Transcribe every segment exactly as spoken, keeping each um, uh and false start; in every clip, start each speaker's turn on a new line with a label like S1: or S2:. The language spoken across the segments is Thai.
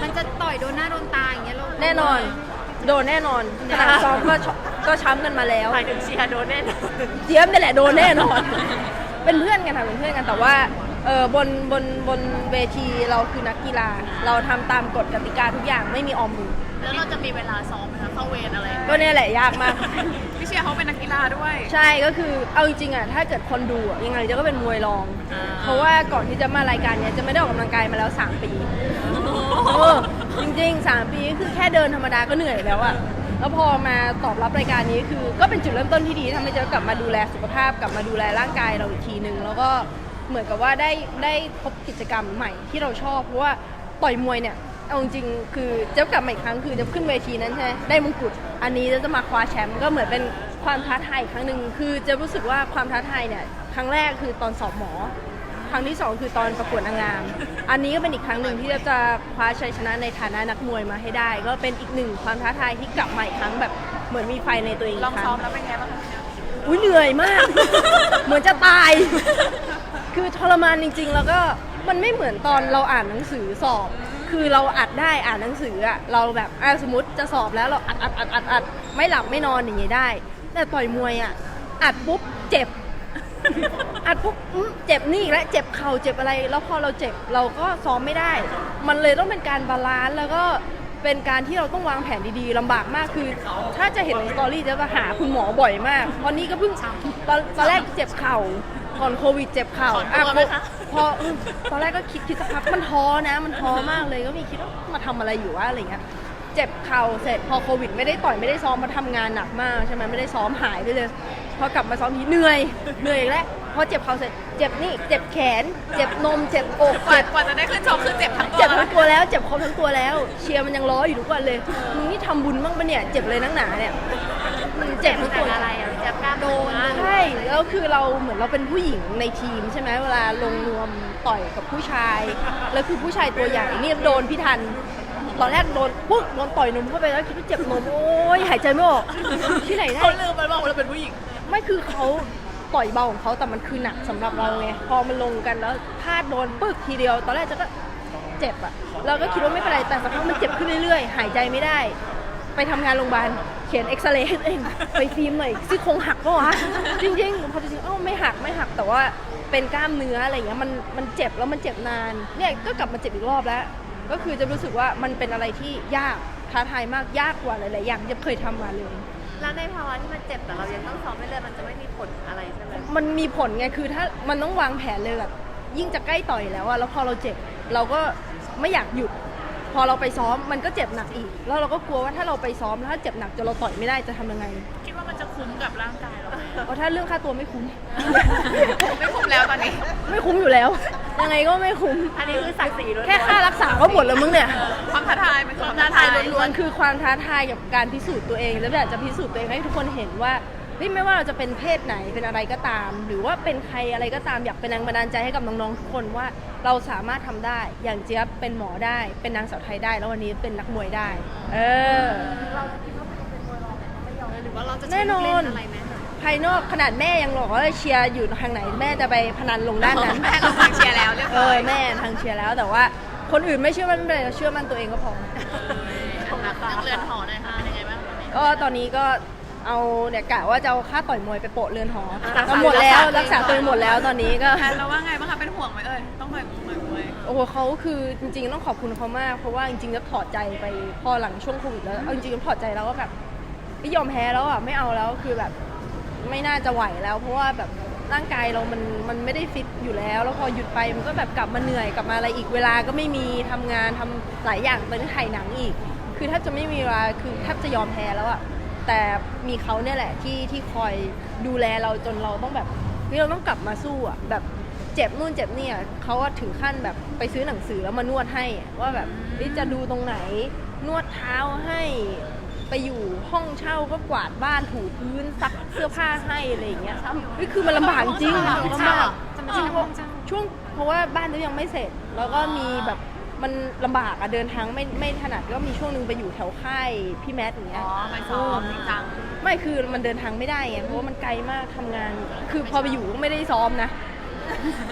S1: มันจะต่อยโดนหน้าโดนตาอย่างเงี้ยเรา
S2: แน่นอนโดนแน่นอนขนาดซ้อมก็ก็ช้ำกันมาแล้ว
S3: หมายถึงเชียร์โดนแน่นอน
S2: เจี๊ยบนี่แหละโดนแน่นอนเป็นเพื่อนกันค่ะเป็นเพื่อนกันแต่ว่าเออบนบนบนเวทีเราคือนักกีฬาเราทำตามกฎกติกาทุกอย่างไม่มีออมมือ
S3: แล้วเราจะมีเวลาซ้อมไหมคะเข้าเวรอะไร
S2: ก็เนี่ยแหละยากมาก
S3: พี่เชียร์เขาเป็นนักกีฬาด้วย
S2: ใช่ก็คือเอาจริงๆอ่ะถ้าเกิดคนดูอ่ะยังไงจะก็เป็นมวยรองเพราะว่าก่อนที่จะมารายการเนี้ยจะไม่ได้ออกกำลังกายมาแล้วสามปีเออจริงๆสามปีคือแค่เดินธรรมดาก็เหนื่อยแล้วอ่ะแล้วพอมาตอบรับรายการนี้คือก็เป็นจุดเริ่มต้นที่ดีทำให้เจ๊กลับมาดูแลสุขภาพกลับมาดูแลร่างกายเราอีกทีนึงแล้วก็เหมือนกับว่าได้ได้พบกิจกรรมใหม่ที่เราชอบเพราะว่าต่อยมวยเนี่ยเอาจริงๆคือเจ๊กลับมาอีกครั้งคือจะขึ้นเวทีนั้นใช่ไหมได้มงกุฎอันนี้จะมาคว้าแชมป์ก็เหมือนเป็นความท้าทายอีกครั้งหนึ่งคือจะรู้สึกว่าความท้าทายเนี่ยครั้งแรกคือตอนสอบหมอครั้งที่สองคือตอนประกวดนางงามอันนี้ก็เป็นอีกครั้งหนึ่งที่จะคว้าชัยชนะในฐานะนักมวยมาให้ได้ก็เป็นอีกหนึ่งความท้าทายที่กลับมาอีกครั้งแบบเหมือนมีไฟในตัวเอง
S3: ลองซ้อมแล้วเป็นไงบ้างคะ
S2: อุ้ยเหนื่อยมาก เหมือนจะตายคือทรมานจริงๆแล้วก็มันไม่เหมือนตอนเราอ่านหนังสือสอบคือเราอัดได้อ่านหนังสืออะเราแบบอ่ะสมมติจะสอบแล้วเราอัดอัดอัดอัดอัดไม่หลับไม่นอนอย่างเงี้ยได้แต่ต่อยมวยอะอัดปุ๊บเจ็บอัดปุ๊บเจ็บนี่และเจ็บเข่าเจ็บอะไรแล้วพอเราเจ็บเราก็ซ้อมไม่ได้มันเลยต้องเป็นการบาลานซ์แล้วก็เป็นการที่เราต้องวางแผนดีๆลำบากมากคือถ้าจะเห็นในสตอรี่จะหาคุณหมอบ่อยมากตอนนี้ก็เพิ่งตอนตอนแรกเจ็บเข่าก่อนโควิดเจ็บเข่าอ่ะพอตอนแรกก็คิดคิดสักพักมันท้อนะมันท้อมากเลยก็มีคิดว่ามาทำอะไรอยู่วะอะไรเงี้ยเจ็บเข่าเสร็จพอโควิดไม่ได้ต่อยไม่ได้ซ้อมมาทำงานหนักมากใช่ไหมไม่ได้ซ้อมหายไปเลยพอกลับมาซ้อมทีเหนื่อยเหนื่อยแล้วพอเจ็บเข่าเสร็จเจ็บนี่เจ็บแขนเจ็บนมเจ็บอก
S3: กว่ากว่าจะได้ขึ้นชกคือเจ็บทั้งตัว
S2: เจ็บทั้งตัวแล้วเจ็บครบทั้งตัวแล้วเชียร์มันยังล้ออยู่ทุกวันเลยมึงนี่ทำบุญบ้างปะเนี่ยเจ็บเลยนักหนาเนี่ยมันเจ็บทั้งตัว
S3: อะไรอ่ะเจ็บกล้ามโดน
S2: ใช่แล้วคือเราเหมือนเราเป็นผู้หญิงในทีมใช่ไหมเวลาลงรวมต่อยกับผู้ชายแล้วคือผู้ชายตัวใหญ่นี่โดนพี่ทันตอนแรกโดนปุ๊บโดนต่อยนมเข้าไปแล้วคิดว่าเจ็บนมโอ้ยหายใจไม่ออกที่ไหนได้
S3: เขาลืมไปว่าเราเป็นผู้หญิง
S2: ไม่คือเขาต่อยเบาของเขาแต่มันคือหนักสำหรับเราไงพอมันลงกันแล้วพลาดโดนปึ๊กทีเดียวตอนแรกจะก็เจ็บอะเราก็คิดว่าไม่เป็นไรแต่สักพักมันเจ็บขึ้นเรื่อยๆหายใจไม่ได้ไปทำงานโรงพยาบาลเขียนเอ็กซเรย์ให้ตัวเองไปฟิล์มหน่อยซี่โครงหักก็วะจริงๆพอจริงๆเอ้าไม่หักไม่หักแต่ว่าเป็นกล้ามเนื้ออะไรเงี้ยมันมันเจ็บแล้วมันเจ็บนานเนี่ยก็กลับมาเจ็บอีกรอบแล้วก็คือจะรู้สึกว่ามันเป็นอะไรที่ยากท้าทายมากยากกว่าหลายๆอย่างที่เคยทำมาเลย
S3: แล้วในภาวะที่มันเจ็บแต่เรายังต้องซ้อมไม่เลยมันจะไม่มีผลอะไรใช่ไหม
S2: มันมีผลไงคือถ้ามันต้องวางแผนเลยแบบยิ่งจะใกล้ต่อยแล้วอะแล้วพอเราเจ็บเราก็ไม่อยากหยุดพอเราไปซ้อมมันก็เจ็บหนักอีกแล้วเราก็กลัวว่าถ้าเราไปซ้อมแล้วถ้าเจ็บหนักจนเราต่อยไม่ได้จะทำยังไง
S3: คิดว่ามันจะคุ้มกับร่างกายเรา
S2: เพราะถ้าเรื่องค่าตัวไม่คุ้ม
S3: ไม่คุ้มแล้วตอนนี้
S2: ไม่คุ้มอยู่แล้วยังไงก็ไม่คุ้ม
S3: อันนี้คือศักดิ์ศรี
S2: แค่ค่ารักษาก็หมดแล้วมึงเนี่ย
S3: ความท้าทายมัน
S2: ความท้าทายล้วนๆคือความท้าทายกับการพิสูจน์ตัวเองแล้วอยากจะพิสูจน์ตัวเองให้ทุกคนเห็นว่าไม่ว่าเราจะเป็นเพศไหนเป็นอะไรก็ตามหรือว่าเป็นใครอะไรก็ตามอยากเป็นแรงบันดาลใจให้กับน้องๆทุกคนว่าเราสามารถทำได้อย่างเจี๊ยบเป็นหมอได้เป็นนางสาวไทยได้แล้ววันนี้เป็นนักมวยได้เออ
S3: เราจะคิดว่าเป็นมวยรองไม่ยอมหรือว่าเราจะ
S2: แน่นอนอะไรไหมภายนอกขนาดแม่ยังหลอกว่าเชียร์อยู่ทางไหนแม่จะไปพนันลงด้านนั้น
S3: แม่เราทางเชียร์แล้วเรียบร้อย
S2: แม่ทางเชียร์แล้วแต่ว่าคนอื่นไม่เชื่อมั่นเลยเชื่อมั่นตัวเองก็พอ
S3: นักเรือนหอหน่อยค่ะยังไงบ้าง
S2: ก็ตอนนี้ก็เอาเนี่ยกะว่าจะเอาค่าต่อยมวยไปโปะเรือนหอหมดแล้วรักษาตัวหมดแล้วตอนนี้ก็
S3: เราว่าไงบ้างคะเป็นห่วงไหมเอ่ยต้องต่อยมวยมวย
S2: โอ้โหเขาคือจริงๆต้องขอบคุณเขามากเพราะว่าจริงๆจะถอดใจไปพอหลังช่วงโควิดแล้วเอาจริงๆถอดใจแล้วก็แบบไม่ยอมแพ้แล้วอ่ะไม่เอาแล้วคือแบบไม่น่าจะไหวแล้วเพราะว่าแบบร่างกายเรามันมันไม่ได้ฟิตอยู่แล้วแล้วพอหยุดไปมันก็แบบกลับมาเหนื่อยกลับมาอะไรอีกเวลาก็ไม่มีทำงานทำหลายอย่างเป็นถ่ายหนังอีกคือแทบจะไม่มีเวลาคือแทบจะยอมแพ้แล้วอ่ะแต่มีเขาเนี่ยแหละที่ที่คอยดูแลเราจนเราต้องแบบเราต้องกลับมาสู้อ่ะแบบเจ็บนู่นเจ็บนี่เขาว่าถึงขั้นแบบไปซื้อหนังสือแล้วมานวดให้ว่าแบบจะดูตรงไหนนวดเท้าให้ไปอยู่ห้องเช่าก็กวาดบ้านถูพื้นซักเสื้อผ้าให้อะไรอย่างเงี้ยนี่คือมันลำบากจริงลำบากจริงช่วงเพราะว่าบ้านเรายังไม่เสร็จแล้วก็มีแบบมันลำบากอะเดินทางไม่ไม่ถนัดก็มีช่วงนึงไปอยู่แถวค่ายพี่แมทอย่างเงี้ย
S3: อ๋อไปซ้อมจริงจัง
S2: ไม่คือมันเดินทางไม่ได้ไงเพราะว่ามันไกลมากทำงานคือพอไปอยู่ก็ไม่ได้ซ้อมนะ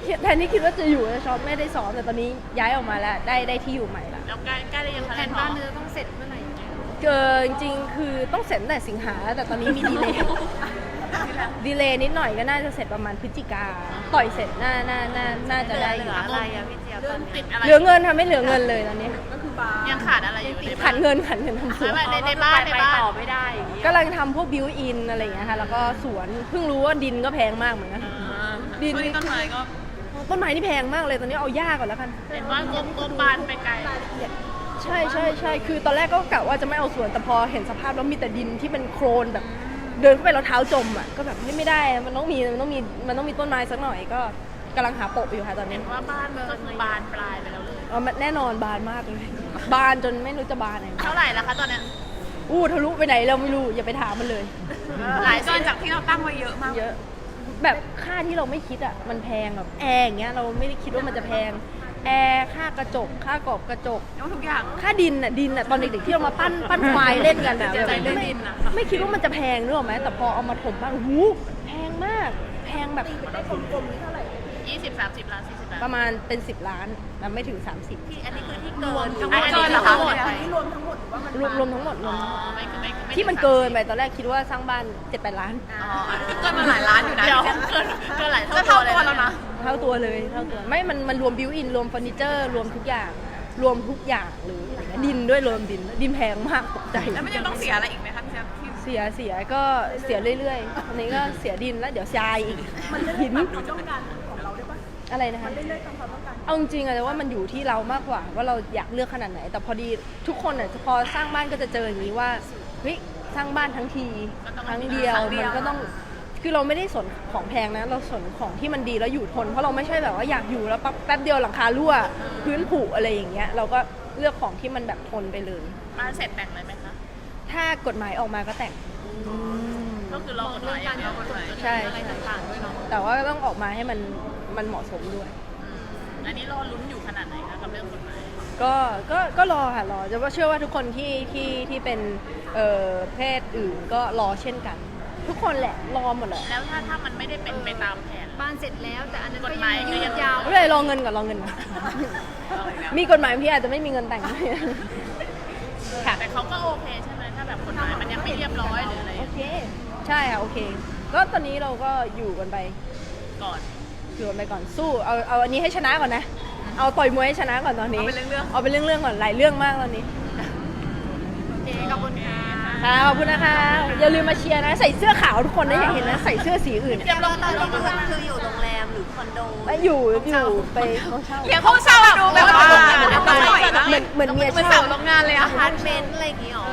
S2: แทนที่คิดว่าจะอยู่จะซ้อมไม่ได้ซ้อมแต่ตอนนี้ย้ายออกมาแล้วได้ได้ที่อยู่ใหม่ละ
S4: แล้วใกล้ใกล้ได้ยัง
S1: แผนบ้านเนื้อต้องเสร็จเมื่อไหร่ยังไง
S2: เกินจริงๆคือต้องเสร็จตั้งแต่สิงหาแต่ตอนนี้มีดีเลย์ ดีเลย์นิดหน่อยก็น่าจะเสร็จประมาณพฤศจิกาต่อยเสร็จน่าน่าน่าน่าจะได้
S3: เห
S2: อ
S3: ลื
S2: ยู่
S3: ออะไรอะพี่เจี๊ยบตอน
S4: ติ
S3: นี้
S4: ดอะไร
S2: เหลือเงินทำไม่เหลือเงินเลยตอนนี้
S4: ยังขาดอะไรอยู่ในบ้า
S2: ขั
S4: น
S2: นเงินขันเงินทำสวน
S4: ไม่ ในในบ้านใน
S3: ไป
S4: บ้าน
S3: ต่อไม่ได้อย่างนี้
S2: กำลังทำพวกบิวอินอะไรอย่างเงี้ยค่ะแล้วก็สวนเพิ่งรู้ว่าดินก็แพงมากเหมือนกัน ดิน
S4: ช่วงนี้ต้นไม้ก็
S2: ต้นไม้นี่แพงมากเลยตอนนี้เอาหญ้าก่อนแล้วกัน
S4: เห็นว่างบงบบานไปไกล
S2: ใช่ใช่ใช่คือตอนแรกก็กะว่าจะไม่เอาสวนแต่พอเห็นสภาพแล้วมีแต่ดินที่เป็นโคลนแบบ เดินเข้าไปแล้วเท้าจมอ่ะก็แบบไม่ไม่ได้มันต้องมีมันต้องมีมันต้องมีต้นไม้สักหน่อยก็กำลังหาโปะอยู่ค่ะตอน
S4: เห็
S2: นี้
S4: นว่าบ้านก็คือบานปลายไปแล้วเลย
S2: เอามันแน่นอนบานมากเลย บานจนไม่รู้จะบานไหน
S4: เท่าไหร่แล้วคะตอนเนี้ย
S2: อู้ทะลุไปไหนเราไม่รู้อย่าไปถามมันเลย
S4: หลายส่วนจากที่เราตั้งไว้เยอะมาก
S2: เยอะ แบบค่าที่เราไม่คิดอ่ะมันแพงแบบแอร์อย่างเงี้ยเราไม่ได้คิดว่ามันจะแพงแอร์ค่ากระจก ค่ากรอบกระจก
S4: ทุกอย่าง
S2: ค่าดินอ่ะดินอ่ะตอนเด็กๆที่เรามาปั้นปั้นควายเล่นกันอ่ะ
S4: เสียใจเรื่อง
S2: ไม่
S4: ดินอะ
S2: ไม่คิดว่ามันจะแพงนึกออกไหมแต่พอเอามาถมบ้างหูแพงมาก แพงแบบ
S4: ยี่สิบสามสิบล้านสี่สิบล้าน
S2: ประมาณเป็นสิบล้านแต่ไม่ถึงสามสิบ
S3: ที่อันนี้คือที่เกิน
S4: ทั้งหมด
S3: อัน
S4: เกิ
S3: นี้
S4: นเหรอ
S3: ทั้
S4: คะ
S3: งหมด
S2: รวมรวมทั้งหมดรว
S4: อ๋
S2: ม
S4: อไม่ไม่ไม่
S2: ที่มันเกินไปตอนแรกคิดว่าสร้างบ้านเจ็ดแปดล้าน
S4: อ๋อเกินมาหลายล้านอยู่นะเดี๋ยวเกินเกินหลายเท่าตัวแล้วนะ
S2: เท่าตัวเลยเท่าตัวไม่มันมันรวมบิวอินรวมเฟอร์นิเจอร์รวมทุกอย่าง รวมทุกอย่างหรืออะไรเงี้ยดินด้วยรวมดินดินแพงมากตกใจ
S4: แล้วมันยังต้องเสียอะไรอีกไหมคะพี่แจ๊คที่
S2: เสียเสียก็เสียเรื่อยๆอันนี้ก็เสียดินแล้วเดี๋ยวทรายอีกหินอะไรนะคะมันเรื่อยๆตามความต้องการเอาจริงๆอะแต่ว่ามันอยู่ที่เรามากกว่าว่าเราอยากเลือกขนาดไหน แต่พอดีทุกคนอะพอสร้างบ้านก็จะเจออย่างนี้ว่าเฮ้ยสร้างบ้านทั้งทีครั้งเดียวมันก็ต้องคือเราไม่ได้สนของแพงนะเราสนของที่มันดีแล้วอยู่ทนเพราะเราไม่ใช่แบบว่าอยากอยู่แล้วปั๊บแป๊บเดียวหลังคารั่วพื้นผุอะไรอย่างเงี้ยเราก็เลือกของที่มันแบบทนไปเลย
S4: บ้านเสร็จแต่งเลยไหมคะ
S2: ถ้ากฎหมายออกมาก็แต่ง
S4: ก็คือรอกฎหมายอย่างเดียวกฎหมาย
S2: ใช่
S3: อะไรต่างๆด้วยเนาะ
S2: แต่ว่าต้องออกมาให้มันมันเหมาะสมด้วย
S4: อันนี้รอลุ้นอยู่ขนาดไหนคะกับเรื่องกฎหมาย
S2: ก็ก็ก็รอค่ะรอจะว่าเชื่อว่าทุกคนที่ที่ที่เป็นเอ่อเพศอื่นก็รอเช่นกัน ทุกคนแหละรอหมดแหละ
S4: แล้วถ้าถ้ามันไม่ได้เป็นไปตามแผน
S1: บ้านเสร็จแล้วแต่อันนั้นก็
S4: กฎห
S1: ยั
S4: มาย
S1: ง
S4: ก็
S1: ยื
S4: ยั
S1: ด
S4: ง
S1: ยาว
S2: ไม่เลยรอเงินก่อนรอเงินก่อนมีกฎหมายพี่อาจจะไม่มีเงินแต่งค่ะ
S4: แต่เขาก็โอเคใช่ไหมถ้าแบบกฎหมายมันยังไม่เรียบร้อยหรืออะไร
S2: โอเค ใช่ค่ะโอเค ก็ตอนนี้เราก็อยู่กันไป
S4: ก่อน
S2: อยู่กันไปก่อนสู้เอาเอาอันนี้ให้ชนะก่อนนะเอาต่อยมวยให้ชนะก่อนตอนนี้
S4: เอาเป็นเรื่องๆ
S2: เอาเป็นเรื่องๆก่อนหลายเรื่องมากตอนนี้
S1: โอเคขอบคุณค่ะ
S2: ค่ะขอบคุณนะคะ อย่าลืมมาเชียร์นะ ใส่เสื้อขาวทุกคนนะอย่าเห็นนะ ใส่เสื้อสีอื่น
S3: เจี๊ยบเราตอนนี้คือคืออยู่โรงแรมหรือคอนโด
S2: ไม่อยู่อยู่ไปห้องเช่า
S4: เรียกห้องเช่าดูแบบว่า
S2: เหมือนเหมือนเมีย
S4: เหมือน
S2: เช่า
S4: เสาโรงงานเลย
S3: อ
S4: อะ
S3: พาร์ตเมนต์อะไรอย่างงี้หรอ